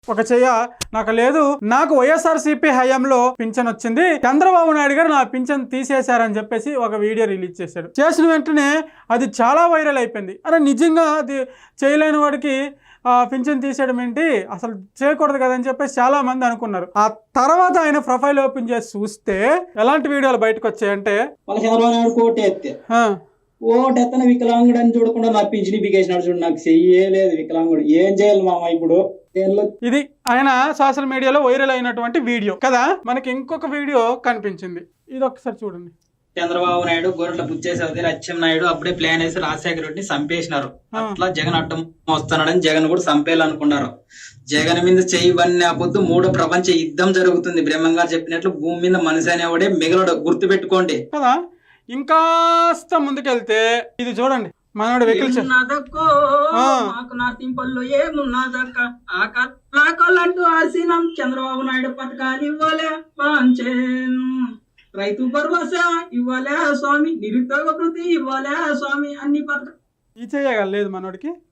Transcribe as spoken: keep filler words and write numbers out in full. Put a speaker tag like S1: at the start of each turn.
S1: ఒక చెయ్య నాకు లేదు, నాకు వైఎస్ఆర్సీపీ హయాంలో పింఛన్ వచ్చింది, చంద్రబాబు నాయుడు గారు నా పింఛన్ తీసేశారని చెప్పేసి ఒక వీడియో రిలీజ్ చేశాడు. చేసిన వెంటనే అది చాలా వైరల్ అయిపోయింది. అరే నిజంగా అది చేయలేని వాడికి పింఛన్ తీసేయడం ఏంటి, అసలు చేయకూడదు కదని చెప్పేసి చాలా మంది అనుకున్నారు. ఆ తర్వాత ఆయన ప్రొఫైల్ ఓపెన్ చేసి చూస్తే ఎలాంటి వీడియోలు బయటకు వచ్చాయంటే,
S2: ఓటెత్తన వికలాంగుడు అని చూడకుండా నా పింఛని బిగేసినాడు చూడు, నాకు చెయ్యలేదు వికలాంగుడు, ఏం చేయాలి మామ ఇప్పుడు.
S1: ఇది ఆయన సోషల్ మీడియాలో వైరల్ అయినటువంటి వీడియో కదా. మనకి ఇంకొక వీడియో కనిపించింది, ఇది ఒకసారి చూడండి.
S2: చంద్రబాబు నాయుడు గొర్రెల పుచ్చేసరి అచ్చెం నాయుడు అప్పుడే ప్లాన్ వేసి రాజశేఖర రెడ్డిని చంపేసినారు. అట్లా జగన్ అడ్డం వస్తున్నాడని జగన్ కూడా చంపేయాలనుకున్నారు. జగన్ మీద చెయ్యి వన్నీ పొద్దు మూడో ప్రపంచ యుద్ధం జరుగుతుంది. బ్రహ్మం గారు చెప్పినట్లు భూమి మీద మనిషి అనేవాడే మిగలడు, గుర్తు పెట్టుకోండి
S1: కదా. ఇంకాస్త ముందుకెళ్తే ఇది చూడండి, మనోడు వెహికల్
S2: చంద్రబాబు నాయుడు పథకాలు ఇవ్వలే పాంచేను, రైతు భరోసా ఇవ్వలే స్వామి, నిరుద్యోగ వృత్తి ఇవ్వలే స్వామి, అన్ని పథకాలు
S1: ఈ చేయగలేదు మనోడికి.